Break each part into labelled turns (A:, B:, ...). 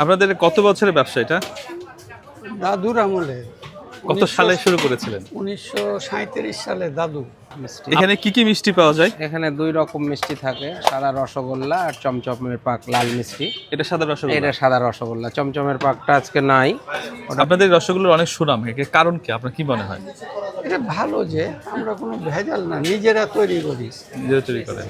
A: আপনাদের কত বছরের ব্যবসা এটা?
B: দাদুর আমলে।
A: কত সালে শুরু করেছিলেন?
B: 1937 সালে দাদু।
A: এখানে কি কি মিষ্টি পাওয়া যায়?
C: এখানে দুই রকম মিষ্টি থাকে, সাদা রসগোল্লা আর চমচমের পাক লাল মিষ্টি।
A: এটা সাদা রসগোল্লা।
C: এটা সাদা রসগোল্লা, চমচমের পাকটা আজকে নাই।
A: আপনাদের রসগোল্লার অনেক সুনাম, এর কারণ কি আপনার কি মনে হয়?
B: এটা ভালো যে আমরা কোনো ভেজাল না, নিজেরা তৈরি করি।
A: নিজেরা তৈরি করেন।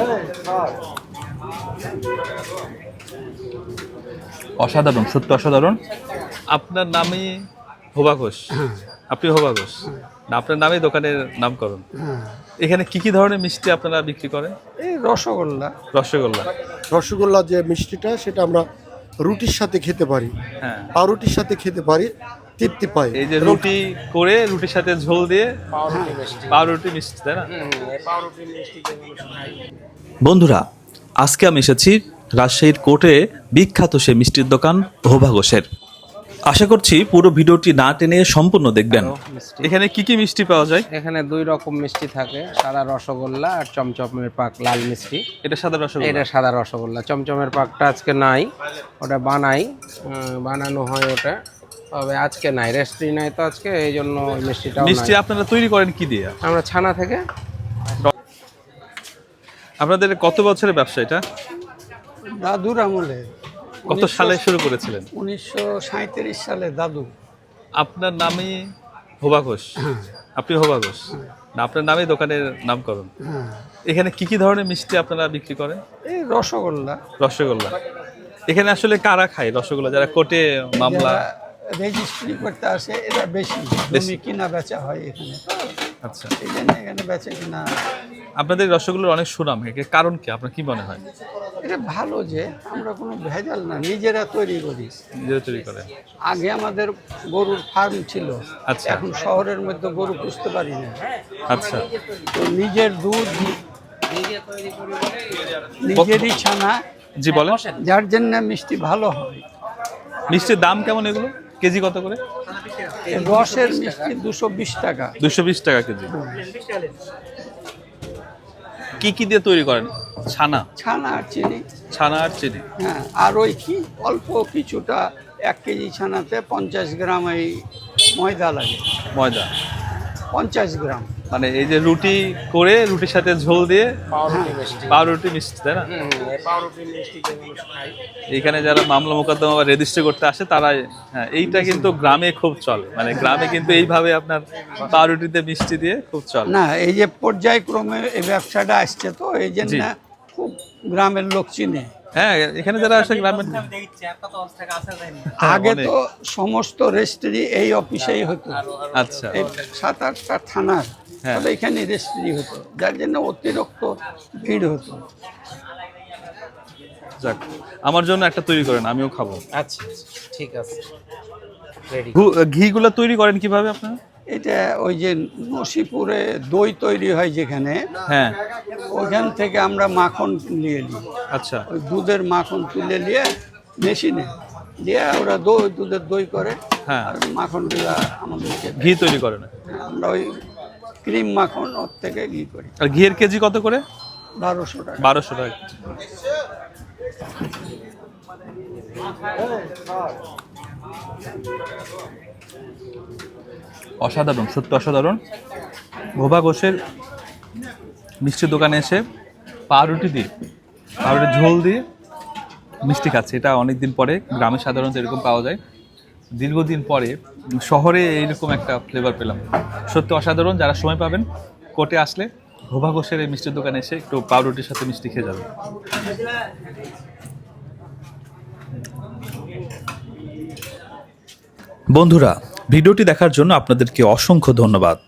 A: অসাধারণ, সত্যি অসাধারণ। আপনার নামই হোবা ঘোষ? আপনি হোবা ঘোষ না, আপনার নামে দোকানের নামকরণ। এখানে কি কি ধরনের মিষ্টি আপনারা বিক্রি করেন?
B: এই রসগোল্লা।
A: রসগোল্লা।
D: রসগোল্লা যে মিষ্টিটা সেটা আমরা রুটির সাথে খেতে পারি,
A: হ্যাঁ,
D: পাউরুটির সাথে খেতে পারি, তৃপ্তি পাই।
A: এই যে রুটি করে রুটির সাথে ঝোল দিয়ে পাউরুটি মিষ্টি, তাই না?
E: বন্ধুরা, আজকে আমি এসেছি রাজশাহীর কোর্টে বিখ্যাত সেই মিষ্টির দোকান হোবা ঘোষের। আশা করছি পুরো ভিডিওটি না টেনে সম্পূর্ণ দেখবেন।
A: এখানে কি কি মিষ্টি পাওয়া যায়?
C: এখানে দুই রকম মিষ্টি থাকে, সাদা রসগোল্লা আর চমচমের পাক লাল মিষ্টি।
A: এটা সাদা রসগোল্লা।
C: এটা সাদা রসগোল্লা, চমচমের পাকটা আজকে নাই, ওটা বানাই, বানানো হয় ওটা, তবে আজকে নাই, রেস্ট্রি নাই তো আজকে, এই জন্য মিষ্টিটাও
A: মিষ্টি
C: নাই।
A: আপনারা তৈরি করেন কি দিয়ে?
C: আমরা ছানা থেকে।
A: আপনাদের কত বছরের ব্যবসা এটা?
B: দাদুর আমলে।
A: কত সালে শুরু করেছিলেন?
B: 1937 সালে দাদু।
A: আপনার নামই হোবা ঘোষ? আপনি হোবা ঘোষ না, আপনার নামই দোকানের নামকরণ। এখানে কি কি ধরনের মিষ্টি আপনারা বিক্রি করেন?
B: এই রসগোল্লা।
A: রসগোল্লা। এখানে আসলে কারা খায় রসগোল্লা? যারা কোর্টে মামলা
B: রেজিস্ট্রি করতে আসে এরা বেশি, জমি কিনা বেচা হয় এখানে,
A: আচ্ছা,
B: এই জন্য এখানে বেচা কিনা।
A: আপনাদের রসগোল্লার অনেক সুনাম, এর কারণ কি আপনার কি মনে হয়?
B: এটা ভালো যে আমরা কোনো ভেজাল না, নিজেরা তৈরি করি।
A: নিজেরা তৈরি করেন।
B: আগে আমাদের গরুর ফার্ম ছিল,
A: আচ্ছা।
B: এখন শহরের মধ্যে গরু পুষতে পারি না,
A: আচ্ছা,
B: তো নিজের দুধ নিজেরই ছানা,
A: জি বলেন।
B: যার জন্য মিষ্টি ভালো হয়।
A: মিষ্টির দাম কেমন এগুলো? কেজি কত করে?
B: এই রসের মিষ্টি 220 টাকা।
A: 220 টাকা কেজি। কি কি দিয়ে তৈরি করেন? ছানা।
B: ছানা আর চিনি।
A: ছানা আর চিনি।
B: হ্যাঁ, আর ওই কি অল্প কিছুটা 1 কেজি ছানাতে 50 গ্রাম এই ময়দা লাগে।
A: ময়দা।
B: 50 গ্রাম।
A: মানে এই যে রুটি করে রুটির সাথে ঝোল দিয়ে পাউরুটি মিষ্টি, তাই না? এইখানে যারা মামলা মোকদ্দমা বা রেজিস্ট্রি করতে আসে তারা, হ্যাঁ, এইটা কিন্তু গ্রামে খুব চলে, মানে গ্রামে কিন্তু এইভাবে আপনার পাউরুটিতে মিষ্টি দিয়ে খুব চলে।
B: না, এই যে পর্যায়ক্রমে এই ব্যবসাটা আসছে, তো এই জন্য খুব গ্রামের লোক চিনে।
A: হ্যাঁ, এখানে যারা আসে গ্রামের।
B: আগে তো সমস্ত রেজিস্ট্রি এই অফিসেই হতো।
A: আচ্ছা।
B: এই 7-8টা থানার, তবে এখানে রেজিস্ট্রি হতো, যার জন্য অতিরিক্ত ভিড় হতো।
A: যাক, আমার জন্য একটা তৈরি করেন, আমিও খাবো।
C: আচ্ছা, ঠিক আছে, রেডি।
A: ঘিগুলো তৈরি করেন কিভাবে আপনারা?
B: এটা ওই যে নসিপুরে দই তৈরি হয় যেখানে,
A: হ্যাঁ,
B: ওইখান থেকে আমরা মাখন নিয়ে নিই।
A: আচ্ছা।
B: ওই দুধের মাখন তুলে নিয়ে মেশিনে দিয়ে ওরা দুধের দই করে,
A: হ্যাঁ।
B: আর মাখনগুলা আমাদেরকে
A: ঘি তৈরি করে না?
B: আমরা ওই ক্রিম মাখন ওর থেকে ঘি করি।
A: আর ঘিয়ের কেজি কত করে?
B: 1200 টাকা।
A: 1200 টাকা। অসাধারণ, সত্যি অসাধারণ। হোবা ঘোষের মিষ্টির দোকানে এসে পাউরুটি ঝোল দিয়ে মিষ্টি খাচ্ছে, এটা অনেকদিন পরে। গ্রামে সাধারণত এরকম পাওয়া যায়, দীর্ঘদিন পরে শহরে এইরকম একটা ফ্লেভার পেলাম। সত্যি অসাধারণ। যারা সময় পাবেন কোর্টে আসলে হোবা ঘোষের এই মিষ্টির দোকানে এসে একটু পাউরুটির সাথে মিষ্টি খেয়ে যাবেন।
E: বন্ধুরা, ভিডিওটি দেখার জন্য আপনাদেরকে অসংখ্য ধন্যবাদ।